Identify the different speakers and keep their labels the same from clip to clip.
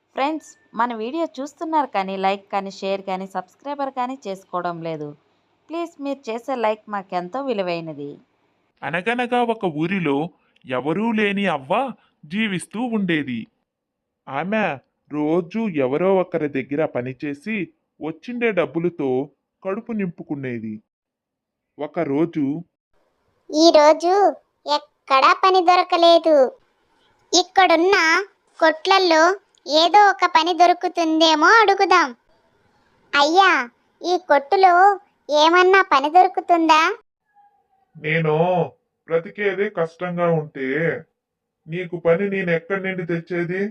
Speaker 1: Friends, మన video చూస్తున్నారు కానీ లైక్ కానీ షేర్ కానీ సబ్స్క్రైబర్ కానీ చేసుకోవడం లేదు. ప్లీజ్ మీరు చేసే లైక్ మాకెంతో విలువైనది.
Speaker 2: అనగనగా ఒక ఊరిలో ఎవరూ లేని అవ్వ జీవిస్తూ ఉండేది. ఆమె రోజూ ఎవరో ఒకరి దగ్గర పనిచేసి వచ్చిండే డబ్బులతో కడుపు నింపుకునేది. ఒకరోజు
Speaker 3: ఈరోజు ఎక్కడా పని దొరకలేదు. ఇక్కడున్న కొట్లల్లో ఏదో ఒక పని దొరుకుతుందేమో అడుగుదాం. అయ్యా, ఈ కొట్టులో ఏమన్నా పని దొరుకుతుందా?
Speaker 2: నేను బ్రతికేదే కష్టంగా ఉంటే నీకు పని నేనెక్కడి నుండి తెచ్చేది?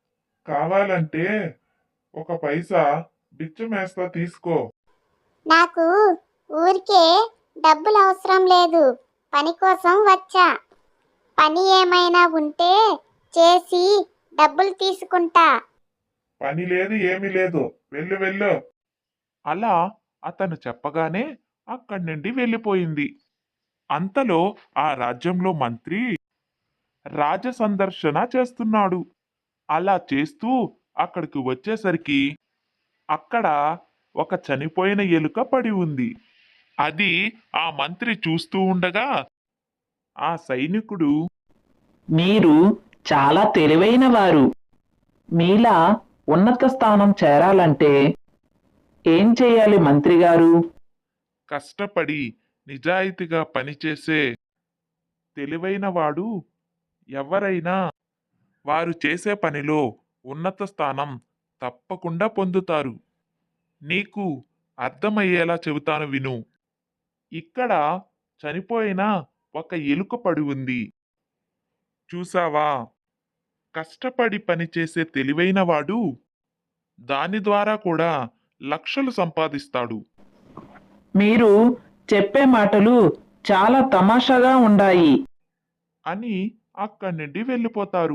Speaker 2: కావాలంటే ఒక పైసా బిచ్చమేస్తా తీసుకో.
Speaker 3: నాకు ఊరికే డబ్బులు అవసరం లేదు, పని కోసం వచ్చా. పని ఏమైనా ఉంటే చేసి డబ్బులు తీసుకుంటా.
Speaker 2: పని లేదు ఏమీ లేదు, వెళ్ళు వెళ్ళు. అలా అతను చెప్పగానే అక్కడి నుండి వెళ్ళిపోయింది. అంతలో ఆ రాజ్యంలో మంత్రి రాజ సందర్శన చేస్తున్నాడు. అలా చేస్తూ అక్కడికి వచ్చేసరికి అక్కడ ఒక చనిపోయిన ఎలుక పడి ఉంది. అది ఆ మంత్రి చూస్తూ ఉండగా ఆ సైనికుడు,
Speaker 4: మీరు చాలా తెలివైన వారు. మీలా ఉన్నత స్థానం చేరాలంటే ఏం చేయాలి మంత్రి గారు?
Speaker 2: కష్టపడి నిజాయితీగా పనిచేసే తెలివైన వాడు ఎవరైనా వారు చేసే పనిలో ఉన్నత స్థానం తప్పకుండా పొందుతారు. నీకు అర్థమయ్యేలా చెబుతాను విను. ఇక్కడ చనిపోయిన ఒక ఎలుక పడి ఉంది. చూసావా? కష్టపడి పనిచేసే తెలివైన వాడు దాని ద్వారా కూడా లక్షలు సంపాదిస్తాడు
Speaker 4: మీరు చెప్పే మాటలు చాలా తమాషాగా ఉన్నాయి.
Speaker 2: అని అక్కడి నుండి వెళ్ళిపోతారు.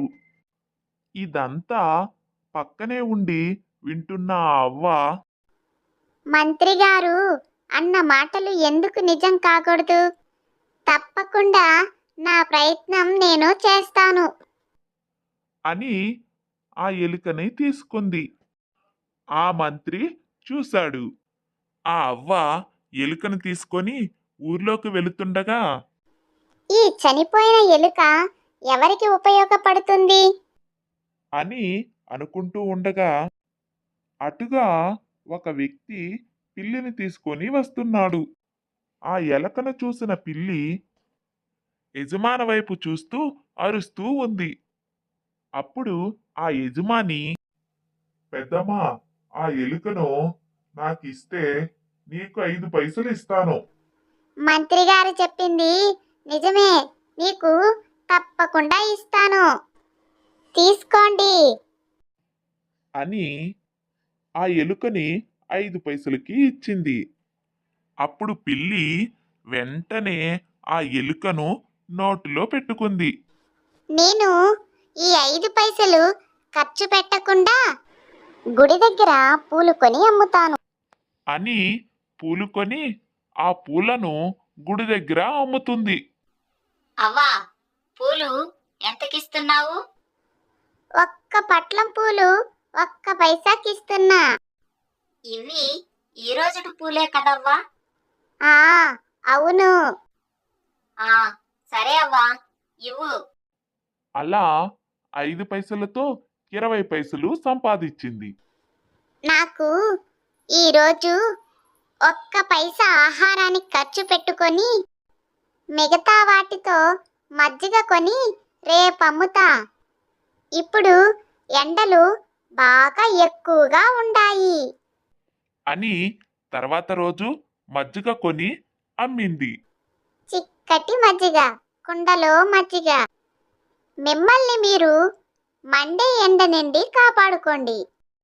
Speaker 2: ఇదంతా పక్కనే ఉండి వింటున్న ఆ అవ్వ,
Speaker 3: మంత్రి గారు అన్న మాటలు ఎందుకు నిజం కాకూడదు? తప్పకుండా నా ప్రయత్నం నేను చేస్తాను.
Speaker 2: అని ఆ ఎలుకని తీసుకుంది. ఆ మంత్రి చూశాడు. ఆ అవ్వ ఎలుకను తీసుకొని ఊర్లోకి వెళుతుండగా
Speaker 3: ఈ చనిపోయిన ఎలుక ఎవరికి ఉపయోగపడుతుంది?
Speaker 2: అని అనుకుంటూ ఉండగా అటుగా ఒక వ్యక్తి పిల్లిని తీసుకొని వస్తున్నాడు. ఆ ఎలకను చూసిన పిల్లి యజమాని వైపు చూస్తూ అరుస్తూ ఉంది. అప్పుడు ఆ యజమాని, పెద్దమ్మా, ఆ ఎలుకను నాకిస్తే నీకు 5 పైసలు ఇస్తాను
Speaker 3: మంత్రి గారు చెప్పింది నిజమే, నీకు తప్పకుండా ఇస్తాను. తీసుకోండి.
Speaker 2: అని ఆ ఎలుకని 5 పైసలకి ఇచ్చింది. అప్పుడు పిల్లి వెంటనే ఆ ఎలుకను నోటిలో పెట్టుకుంది.
Speaker 3: నేను ఈ 5 పైసలు ఖర్చు పెట్టకుండా గుడి దగ్గర పూలు కొని అమ్ముతాను.
Speaker 2: అని పూలు కొని ఆ పూలను గుడి దగ్గర అమ్ముతుంది.
Speaker 5: అవ్వా, పూలు ఎంతకిస్తున్నావు?
Speaker 3: ఒక్క పట్లం పూలు ఒక్క పైసాకిస్తున్నా.
Speaker 5: ఇవి ఈ రోజుటి పూలే కదవ్వా?
Speaker 3: ఆ, అవును.
Speaker 5: ఆ, సరే అవ్వా, ఇవ్వు.
Speaker 2: అలా 5 పైసలతో 20 పైసలు సంపాదించింది.
Speaker 3: నాకు ఈరోజు ఒక్క పైసా ఆహారానికి ఖర్చు పెట్టుకొని మిగతా వాటితో మజ్జిగ కొని రేపు అమ్ముతా. ఇప్పుడు ఎండలు బాగా ఎక్కువగా ఉన్నాయి.
Speaker 2: అని తర్వాత రోజు మజ్జిగ కొని అమ్మింది.
Speaker 3: చిక్కటి మజ్జిగ, కుండలో మజ్జిగ. మిమ్మల్ని మీరు మండే ఎండ నుండి కాపాడుకోండి.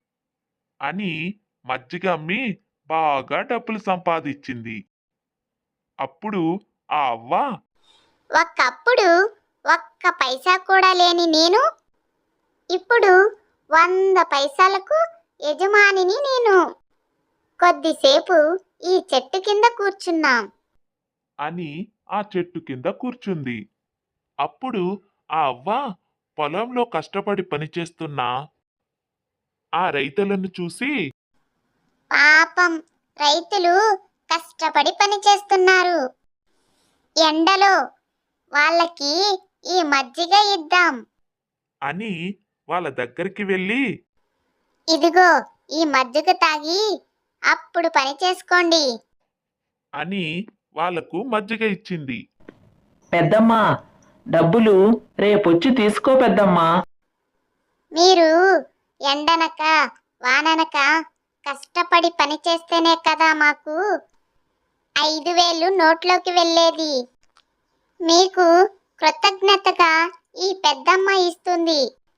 Speaker 2: అని మజ్జిగ అమ్మి బాగా డబ్బులు సంపాదించింది. అప్పుడు ఆ అవ్వ,
Speaker 3: ఒకప్పుడు ఒక్క పైసా కూడా లేని నేను ఇప్పుడు 100 పైసలకు యజమానిని నేను. కొద్దిసేపు ఈ చెట్టు కింద కూర్చున్నాం.
Speaker 2: అని ఆ చెట్టు కింద కూర్చుంది. అప్పుడు ఆ అవ్వ పొలంలో కష్టపడి పనిచేస్తున్న ఆ రైతులను చూసి
Speaker 3: పాపం రైతులు కష్టపడి పని చేస్తున్నారు ఎండలో, వాళ్ళకి ఈ మజ్జిగ ఇద్దాం.
Speaker 2: అని వాళ్ళ దగ్గరికి వెళ్ళి
Speaker 3: ఇదిగో ఈ మజ్జిగ తాగి అప్పుడు పని చేసుకోండి.
Speaker 2: అని వాళ్లకు మజ్జిగ ఇచ్చింది.
Speaker 4: పెద్దమ్మ, డబ్బులు రేపొచ్చి తీసుకో పెద్దమ్మా.
Speaker 3: మీరు ఎండనక వాననక కష్టపడి పని చేస్తేనే కదా మాకు 5,000 నోట్లోకి వెళ్ళేది. మీకు కృతజ్ఞతగా ఈ పెద్దమ్మ ఇస్తుంది.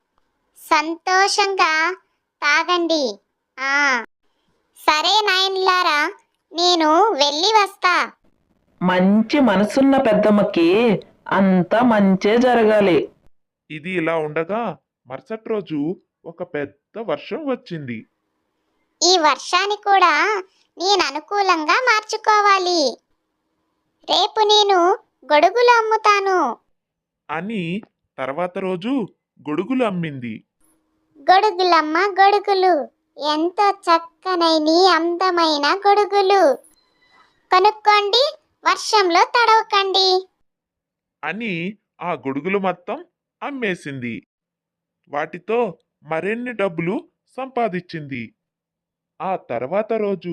Speaker 3: సంతోషంగా తాగండి. ఆ సరే నాయనలారా, నేను వెళ్ళి వస్తా.
Speaker 4: మంచి మనసున్న పెద్దమ్మకి అంతా మంచే జరగాలి.
Speaker 2: ఇది ఇలా ఉండగా మరుసటి రోజు ఒక పెద్ద వర్షం వచ్చింది.
Speaker 3: ఈ వర్షాన్ని కూడా నేను అనుకూలంగా మార్చుకోవాలి. రేపు నేను గొడుగులు అమ్ముతాను.
Speaker 2: అని తర్వాత రోజు గొడుగులు అమ్మింది.
Speaker 3: గొడుగులమ్మ గొడుగులు, ఎంతో చక్కనైన అందమైన గొడుగులు. కొనుక్కోండి, వర్షంలో తడవకండి.
Speaker 2: అని ఆ గొడుగులు మొత్తం అమ్మేసింది. వాటితో మరిన్ని డబ్బులు సంపాదించింది. ఆ తర్వాత రోజు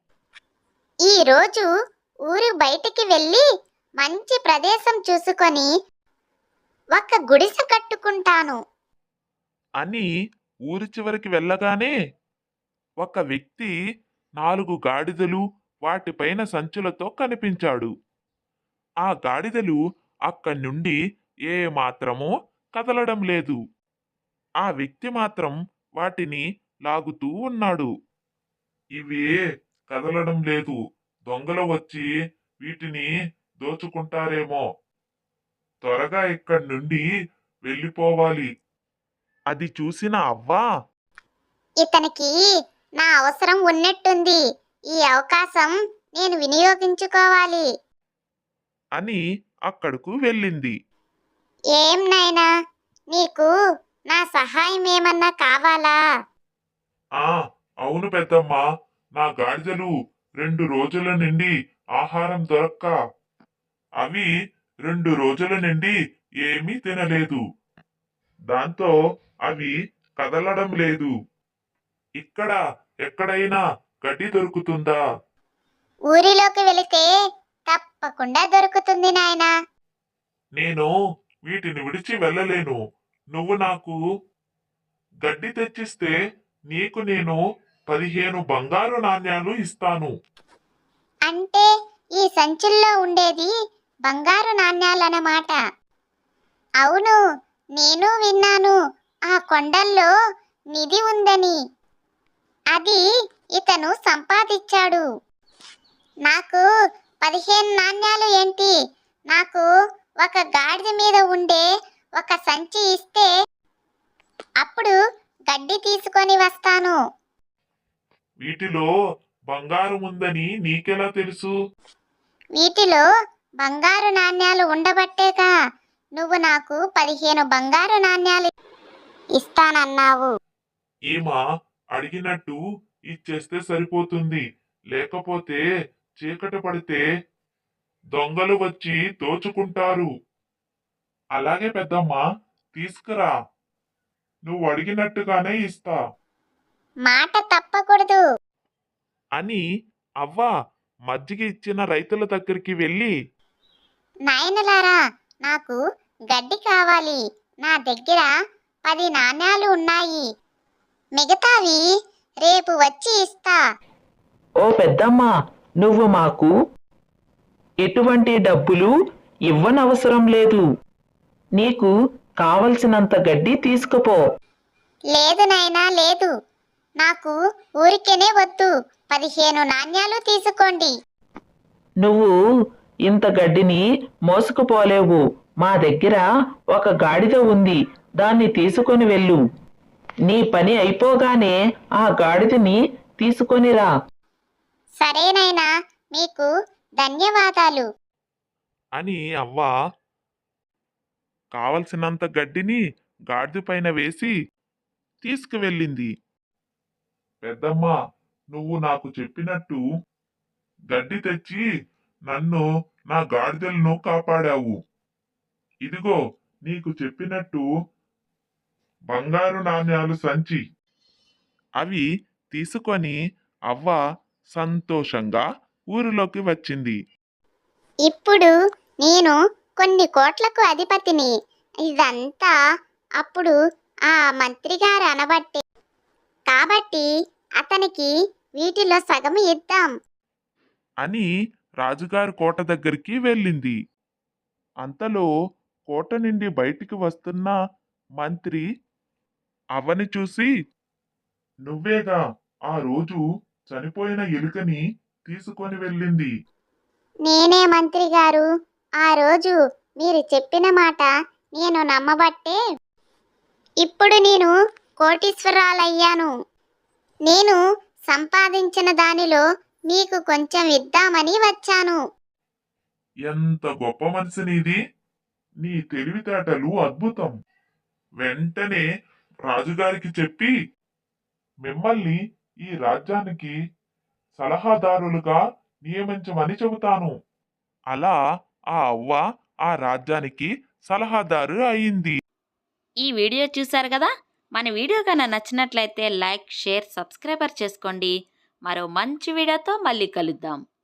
Speaker 3: ఈ రోజు ఊరు బయటికి వెళ్ళి మంచి ప్రదేశం చూసుకొని ఒక గుడిసె కట్టుకుంటాను.
Speaker 2: అని ఊరి చివరికి వెళ్ళగానే ఒక వ్యక్తి 4 గాడిదలు వాటిపైన సంచులతో కనిపించాడు. ఆ గాడిదలు అక్కడి నుండి ఏమాత్రమూ కదలడం లేదు. ఆ వ్యక్తి మాత్రం వాటిని లాగుతూ ఉన్నాడు. ఇవి కదలడం లేదు, దొంగలు వచ్చి వీటిని దోచుకుంటారేమో, త్వరగా ఇక్కడి నుండి వెళ్ళిపోవాలి. అది చూసిన అవ్వ
Speaker 3: ఇతనికి నా అవసరం ఉన్నట్టుంది. ఈ అవకాశం నేను వినియోగించుకోవాలి.
Speaker 2: అని అక్కడకు వెళ్ళింది.
Speaker 3: ఏం నాయనా, నీకు నా సహాయం ఏమన్నా కావాలా?
Speaker 2: ఆ అవును పెద్దమ్మా, నా గాడిదలు 2 రోజుల నుండి ఆహారం దొరక్క అవి 2 రోజుల నుండి ఏమీ తినలేదు. దాంతో అవి కదలడం లేదు. ఇక్కడ ఎక్కడైనా గడ్డి దొరుకుతుందా?
Speaker 3: ఊరిలోకి వెళితే తప్పకుండా దొరుకుతుంది నాయనా.
Speaker 2: నేను వీటిని విడిచి వెళ్ళలేను. నువ్వు నాకు గడ్డి తెచ్చిస్తే నీకు నేను 15 బంగారు నాణ్యాలు ఇస్తాను.
Speaker 3: అంటే ఈ సంచుల్లో ఉండేది బంగారు నాణ్యాలన్నమాట. అవును, నేను విన్నాను ఆ కొండల్లో నిధి ఉందని. అది ఇతను సంపాదించాడు. నాకు 15 నాణ్యాలు ఏంటి, నాకు ఒక గాడిద మీద ఉండే ఒక సంచి ఇస్తే అప్పుడు గడ్డి తీసుకొని వస్తాను.
Speaker 2: వీటిలో బంగారం ఉందని నీకెలా తెలుసు?
Speaker 3: వీటిలో బంగారు నాణ్యాలు ఉండబట్టేగా నువ్వు నాకు 15 బంగారు నాణ్యాలు ఇస్తానన్నావు.
Speaker 2: ఈమా అడిగినట్టు ఇచ్చేస్తే సరిపోతుంది. లేకపోతే చీకటి పడితే దొంగలు వచ్చి దోచుకుంటారు. అలాగే పెద్దమ్మా, తీసుకురా, నువ్వు అడిగినట్టుగానే ఇస్తా.
Speaker 3: మాట తప్పకూడదు.
Speaker 2: అని అవ్వ మజ్జిగ ఇచ్చిన రైతుల దగ్గరికి వెళ్ళి
Speaker 3: నాయనలారా, నాకు గడ్డి కావాలి. నా దగ్గర 10 నాణ్యాలు ఉన్నాయి. మిగతావి రేపు వచ్చి ఇస్తా.
Speaker 4: ఓ పెద్దమ్మ, నువ్వు మాకు ఎటువంటి డబ్బులు ఇవ్వనవసరం లేదు. నీకు కావలసినంత గడ్డి తీసుకుపో.
Speaker 3: లేదు నాయనా, లేదు. నాకు ఊరికేనే వద్దు. 15 నాణ్యాలు తీసుకోండి.
Speaker 4: నువ్వు ఇంత గడ్డిని మోసుకుపోలేవు. మా దగ్గర ఒక గాడిద ఉంది, దాన్ని తీసుకొని వెళ్ళు. నీ పని అయిపోగానే ఆ గాడిదని తీసుకొనిరా.
Speaker 3: సరేనైనా, మీకు ధన్యవాదాలు.
Speaker 2: అని అవ్వ కావలసినంత గడ్డిని గాడిద పైన వేసి తీసుకువెళ్ళింది. పెద్దమ్మ, నువ్వు నాకు చెప్పినట్టు గడ్డి తెచ్చి నన్ను నా గాడిదలను కాపాడావు. ఇదిగో నీకు చెప్పినట్టు బంగారు నాణ్యాలు సంచి. అవి తీసుకొని అవ్వ సంతోషంగా ఊరిలోకి వచ్చింది.
Speaker 3: ఇప్పుడు నేను కొన్ని కోట్లకు అధిపతిని. ఇదంతా అప్పుడు ఆ మంత్రి గారు అనబట్టే. కాబట్టి అతనికి వీటిలో సగం ఇద్దాం.
Speaker 2: అని రాజుగారి కోట దగ్గరికి వెళ్ళింది. అంతలో కోట నుండి బయటికి వస్తున్న మంత్రి అవ్వని చూసి, నువ్వేగా ఆ రోజు చనిపోయిన ఎలుకని తీసుకొని వెళ్ళింది.
Speaker 3: నేనే మంత్రి గారు. ఆ రోజు మీరు చెప్పిన మాట నేను నమ్మబట్టే ఇప్పుడు నేను కోటీశ్వరాలయ్యాను. నేను సంపాదించిన దానిలో మీకు కొంచెం ఇద్దామని వచ్చాను.
Speaker 2: ఎంత గొప్ప మనసు నీది! నీ తెలివితేటలు అద్భుతం. వెంటనే రాజుగారికి చెప్పి మిమ్మల్ని ఈ రాజ్యానికి సలహాదారులుగా నియమించమని చెబుతాను. అలా ఆ అవ్వ ఆ రాజ్యానికి సలహాదారు అయింది.
Speaker 1: ఈ వీడియో చూశారు కదా. మన వీడియో కన్నా నచ్చినట్లయితే లైక్, షేర్, సబ్స్క్రైబర్ చేసుకోండి. మరో మంచి వీడియోతో మళ్ళీ కలుద్దాం.